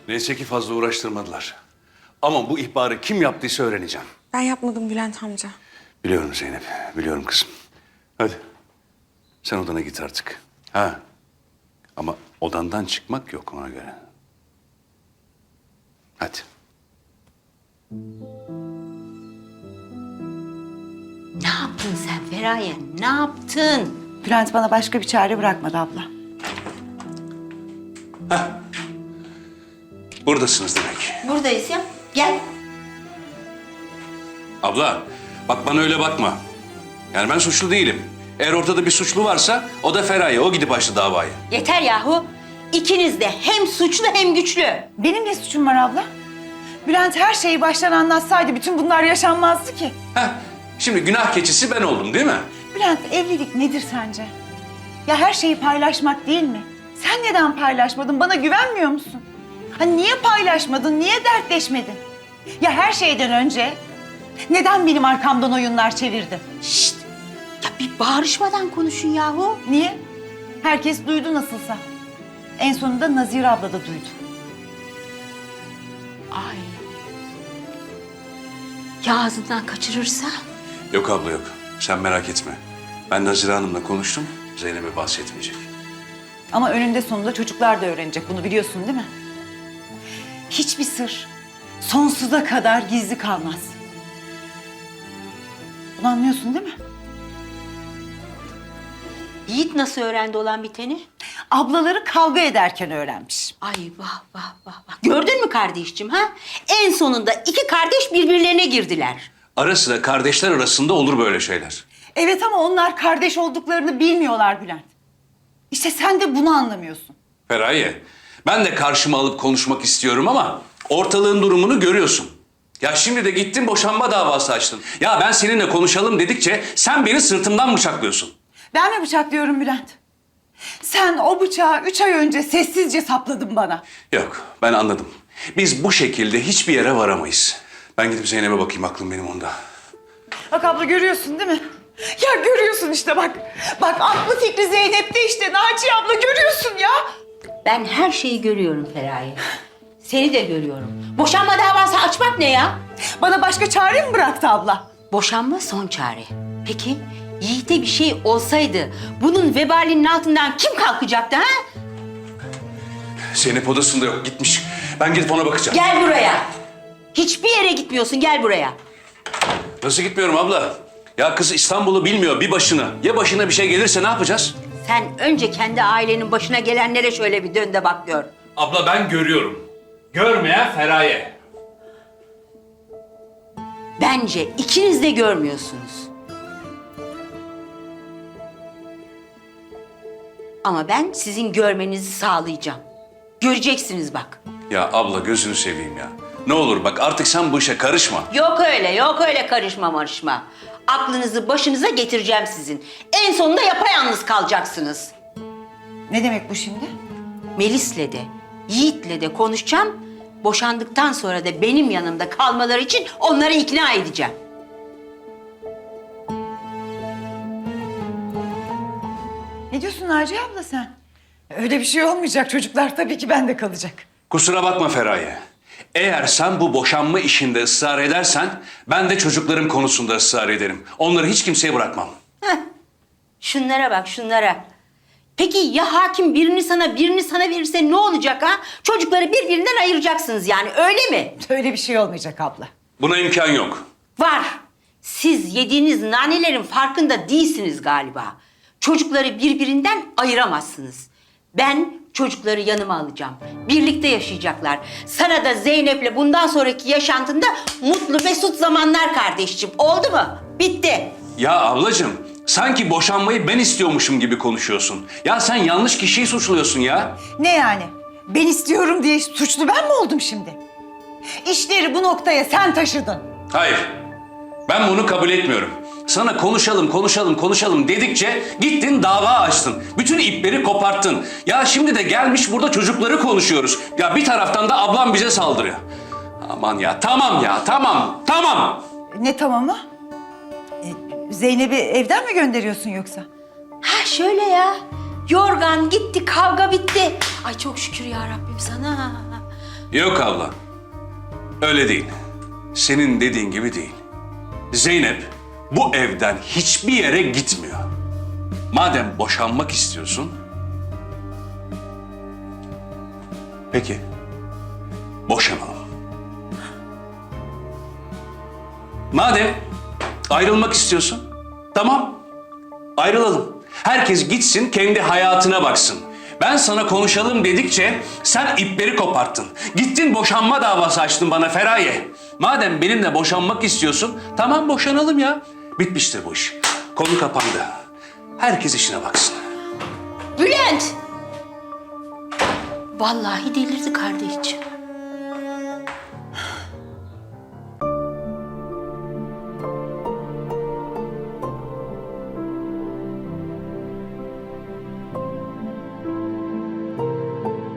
Neyse ki fazla uğraştırmadılar. Ama bu ihbarı kim yaptıysa öğreneceğim. Ben yapmadım Bülent amca. Biliyorum Zeynep, biliyorum kızım. Hadi, sen odana git artık. Ha, ama odandan çıkmak yok ona göre. Hadi. Ne yaptın sen Feraye? Ne yaptın? Bülent bana başka bir çare bırakmadı abla. Buradasınız demek. Buradayız ya. Gel. Abla, bak bana öyle bakma. Yani ben suçlu değilim. Eğer ortada bir suçlu varsa o da Feraye. O gidip açtı davayı. Yeter yahu. İkiniz de hem suçlu hem güçlü. Benim ne suçum var abla? Bülent her şeyi baştan anlatsaydı bütün bunlar yaşanmazdı ki. Heh, şimdi günah keçisi ben oldum değil mi? Bülent evlilik nedir sence? Ya her şeyi paylaşmak değil mi? Sen neden paylaşmadın? Bana güvenmiyor musun? Hani niye paylaşmadın? Niye dertleşmedin? Ya her şeyden önce neden benim arkamdan oyunlar çevirdin? Şşt. Ya bir bağırışmadan konuşun yahu. Niye? Herkes duydu nasılsa. En sonunda Nazire abla da duydu. Ay. Ya ağzından kaçırırsa? Yok abla yok. Sen merak etme. Ben Nazire Hanım'la konuştum. Zeynep'e bahsetmeyecek. Ama önünde sonunda çocuklar da öğrenecek. Bunu biliyorsun değil mi? Hiçbir sır sonsuza kadar gizli kalmaz. Bunu anlıyorsun değil mi? Yiğit nasıl öğrendi olan biteni? Ablaları kavga ederken öğrenmiş. Ay vah vah vah vah. Gördün mü kardeşciğim ha? En sonunda iki kardeş birbirlerine girdiler. Ara sıra kardeşler arasında olur böyle şeyler. Evet ama onlar kardeş olduklarını bilmiyorlar Bülent. İşte sen de bunu anlamıyorsun. Feraye, ben de karşıma alıp konuşmak istiyorum ama ortalığın durumunu görüyorsun. Ya şimdi de gittin boşanma davası açtın. Ya ben seninle konuşalım dedikçe sen beni sırtımdan bıçaklıyorsun. Ben mi bıçaklıyorum Bülent? Sen o bıçağı 3 ay önce sessizce sapladın bana. Yok, ben anladım. Biz bu şekilde hiçbir yere varamayız. Ben gidip Zeynep'e bakayım, aklım benim onda. Bak abla görüyorsun değil mi? Ya görüyorsun işte bak. Bak aklı fikri Zeynep'te işte. Naciye abla görüyorsun ya. Ben her şeyi görüyorum Feraye. Seni de görüyorum. Boşanma davası açmak ne ya? Bana başka çare mi bıraktı abla? Boşanma son çare. Peki Yiğit'e bir şey olsaydı bunun vebalinin altından kim kalkacaktı ha? Zeynep odasında yok, gitmiş. Ben gidip ona bakacağım. Gel buraya. Hiçbir yere gitmiyorsun, gel buraya. Nasıl gitmiyorum abla? Ya kız İstanbul'u bilmiyor bir başına. Ya başına bir şey gelirse ne yapacağız? Sen önce kendi ailenin başına gelenlere şöyle bir dön de bak gör. Abla ben görüyorum. Görmeyen Feraye. Bence ikiniz de görmüyorsunuz. Ama ben sizin görmenizi sağlayacağım. Göreceksiniz bak. Ya abla gözünü seveyim ya. Ne olur bak artık sen bu işe karışma. Yok öyle karışma marışma. Aklınızı başınıza getireceğim sizin. En sonunda yapayalnız kalacaksınız. Ne demek bu şimdi? Melis'le de, Yiğit'le de konuşacağım. Boşandıktan sonra da benim yanımda kalmaları için onları ikna edeceğim. Ne diyorsun Naciye abla sen? Öyle bir şey olmayacak. Çocuklar tabii ki bende kalacak. Kusura bakma Feraye. Eğer sen bu boşanma işinde ısrar edersen ben de çocuklarım konusunda ısrar ederim. Onları hiç kimseye bırakmam. Heh. Şunlara bak şunlara. Peki ya hakim birini sana verirse ne olacak ha? Çocukları birbirinden ayıracaksınız yani öyle mi? Öyle bir şey olmayacak abla. Buna imkan yok. Var. Siz yediğiniz nanelerin farkında değilsiniz galiba. Çocukları birbirinden ayıramazsınız. Ben çocukları yanıma alacağım. Birlikte yaşayacaklar. Sana da Zeynep'le bundan sonraki yaşantında mutlu mesut zamanlar kardeşciğim. Oldu mu? Bitti. Ya ablacığım sanki boşanmayı ben istiyormuşum gibi konuşuyorsun. Ya sen yanlış kişiyi suçluyorsun ya. Ne yani? Ben istiyorum diye suçlu ben mi oldum şimdi? İşleri bu noktaya sen taşıdın. Hayır. Ben bunu kabul etmiyorum. Sana konuşalım dedikçe gittin dava açtın. Bütün ipleri koparttın. Ya şimdi de gelmiş burada çocukları konuşuyoruz. Ya bir taraftan da ablam bize saldırıyor. Aman ya tamam. Ne tamamı? Zeynep'i evden mi gönderiyorsun yoksa? Ha şöyle ya. Yorgan gitti, kavga bitti. Ay çok şükür ya Rabbim sana. Yok abla. Öyle değil. Senin dediğin gibi değil. Zeynep bu evden hiçbir yere gitmiyor. Madem boşanmak istiyorsun... Peki. Boşanalım. Madem ayrılmak istiyorsun, tamam. Ayrılalım. Herkes gitsin, kendi hayatına baksın. Ben sana konuşalım dedikçe sen ipleri koparttın. Gittin boşanma davası açtın bana Feraye. Madem benimle boşanmak istiyorsun, tamam boşanalım ya. Bitmiştir bu iş. Konu kapandı. Herkes işine baksın. Bülent! Vallahi delirdi kardeşciğim.